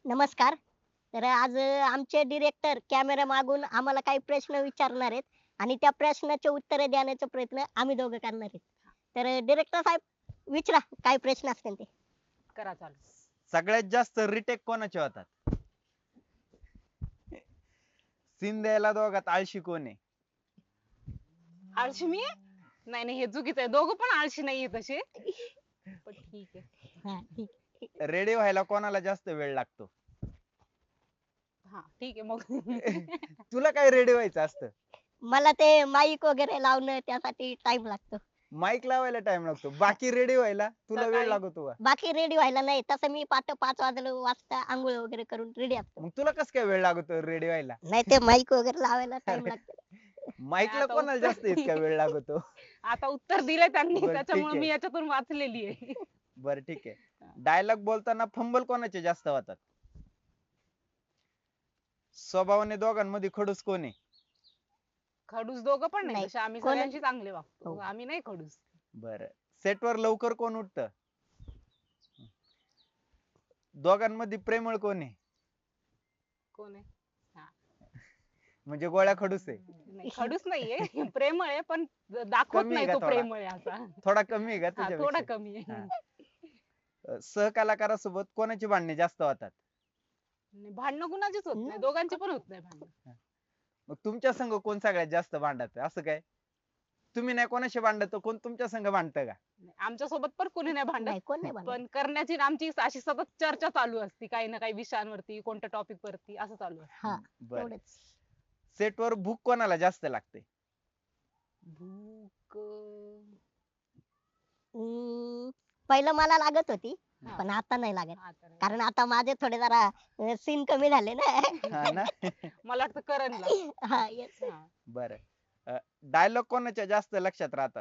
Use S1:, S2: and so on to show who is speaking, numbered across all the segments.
S1: नमस्कार. तर आज आमचे डिरेक्टर कॅमेरा मागून आम्हाला काही प्रश्न विचारणार आहेत आणि त्या प्रश्नाचे उत्तरे देण्याचा प्रयत्न आम्ही दोघं करणार आहेत. तर डिरेक्टर साहेब विचारा काय प्रश्न असतील ते.
S2: करा चालू.
S3: सगळ्यात जास्त रिटेक कोणाचे होतात? सीन द्यायला दोघात आळशी कोण आहे?
S2: आळशी मी आहे? नाही नाही, हे चुकीचं आहे. दोघं पण आळशी नाहीये तसे. पण ठीक आहे.
S1: हा, ठीक.
S3: रेडी व्हायला कोणाला जास्त वेळ लागतो?
S2: हा ठीक आहे मग.
S3: तुला काय रेडी व्हायचं असतं?
S1: मला ते माईक वगैरे लावणं त्यासाठी टाइम लागतो.
S3: माईक लावायला टाइम लागतो, बाकी रेडी व्हायला तुला वेळ
S2: सकाळी.
S3: लागतो का?
S1: बाकी रेडी व्हायला नाही. तसं मी पाठ 5 वाजता आंघोळ वगैरे करून रेडी असतो.
S3: मग तुला कस काय वेळ लागतो रेडी व्हायला?
S1: नाही ते माईक वगैरे लावायला टाइम लागतो.
S3: माईकला
S2: आता
S3: कोणाला जास्त
S2: उत्तर-
S3: इतका वेळ लागतो?
S2: आता उत्तर दिलंय त्यांनी,
S3: बरं, ठीक
S2: त्याच्यामुळे
S3: आहे.
S2: मी याच्यातून वाचलेली आहे.
S3: बर ठीक आहे. डायलॉग बोलताना फंबल कोणाचे जास्त होतात? स्वभावाने दोघांमध्ये खडूस कोण आहे?
S2: खडूस दोघं पण नाही,
S1: नाही.
S2: तसे आम्ही
S1: कोण-
S2: सगळ्यांशी चांगले वागतो.
S1: हो.
S2: आम्ही नाही खडूस.
S3: बर, सेटवर लवकर कोण उठत? दोघांमध्ये प्रेमळ कोण आहे?
S2: कोण आहे?
S3: म्हणजे गोळ्या खडूस आहे?
S2: नाही खडूस नाहीये. प्रेमळ आहे पण दाखवत
S3: कमी आहे
S2: नाही
S3: का
S2: तो
S3: थोडा?
S2: प्रेमळ आहे असा.
S3: थोडा कमी आहे का
S2: हा, थोडा
S3: तुझ्यापेक्षा?
S2: कमी आहे.
S3: सहकलाकारासोबत कोणाची भांडणे जास्त होतात?
S2: नाही, भांडणं कुणाचीच होत नाही, दोघांची पण होत नाही भांडणं.
S3: मग तुमच्या संघ कोण सगळ्यात जास्त भांडत असं काय? तुम्ही नाही कोणाशी भांडत तर कोण तुमच्या संघ भांडत का?
S2: आमच्या सोबत पण कोणी नाही भांडत.
S1: नाही कोण नाही भांडत.
S2: पण करण्याची आणि आमची अशी सतत चर्चा चालू असते, काही ना काही विषयांवरती, कोणत्या टॉपिक वरती असं चालू असतं.
S1: हा,
S3: बर,
S1: एवढंच.
S3: सेटवर भूक कोणाला जास्त लागते?
S2: भूक
S1: पहिलं मला लागत होती
S2: हा.
S1: पण आता नाही लागत.
S2: हा तर
S1: कारण आता माझे थोडे जरा सीन कमी झाले ना.
S3: हा ना.
S2: मला वाटतं करणला.
S1: हा येस.
S2: हा.
S3: बर, डायलॉग कोणाच्या जास्त लक्षात राहतात?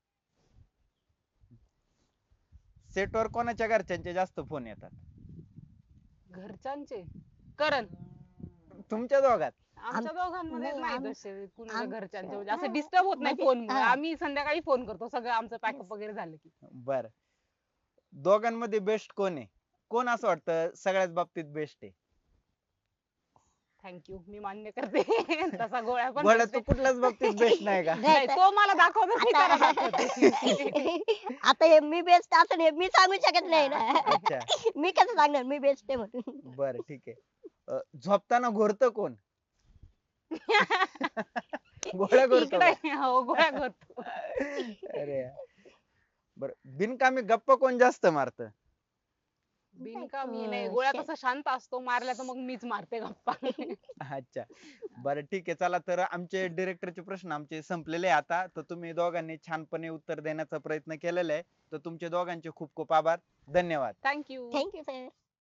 S3: सेटवर कोणाच्या घरच्यांचे जास्त फोन येतात?
S2: घरच्यांचे करण.
S3: तुमच्या दोघात?
S2: आमच्या दोघांमध्ये
S1: नाही,
S2: नाही तसे कुणाच्या
S1: आम-
S2: घरच्यांचे म्हणजे असं डिस्टर्ब होत नाही
S1: म्हणजे-
S2: फोन.
S1: हा.
S2: आम्ही संध्याकाळी फोन करतो, सगळं आमचं पॅकअप वगैरे झालं की.
S3: बर, दोघांमध्ये बेस्ट कोण आहे? कोण असं वाटतं सगळ्याच बाबतीत बेस्ट आहे?
S2: थँक्यू, मी मान्य करते. तसा गोळ्या पण
S3: गोळ्या
S2: करते.
S3: तू कुठल्याच बाबतीत बेस्ट नाही का?
S2: नाही, तो मला दाखवतो, मी त्याला
S1: आता
S2: दाखवते.
S1: आता हे मी बेस्ट असं हे मी सांगू शकत नाही ना.
S3: अच्छा,
S1: मी कसं सांगणार मी बेस्ट आहे म्हणून.
S3: बर ठीक आहे. झोपताना घोरत कोण? गोळ्या घोरतो का?
S2: इकडे हो, गोळ्या करतो.
S3: अरे बर, बिनकामी गप्पा कोण जास्त मारत?
S2: बिनकामी नाही, गोळ्या कसा शांत असतो, मारल्या तर मग मीच मारते गप्पा.
S3: अच्छा, बरं ठीक आहे. चला तर आमचे डिरेक्टरचे प्रश्न आमचे संपलेले आहे आता. तर तुम्ही दोघांनी छानपणे उत्तर देण्याचा प्रयत्न केलेला आहे. तर तुमचे दोघांचे खूप खूप आभार. धन्यवाद.
S2: थँक्यू.
S1: Thank you sir.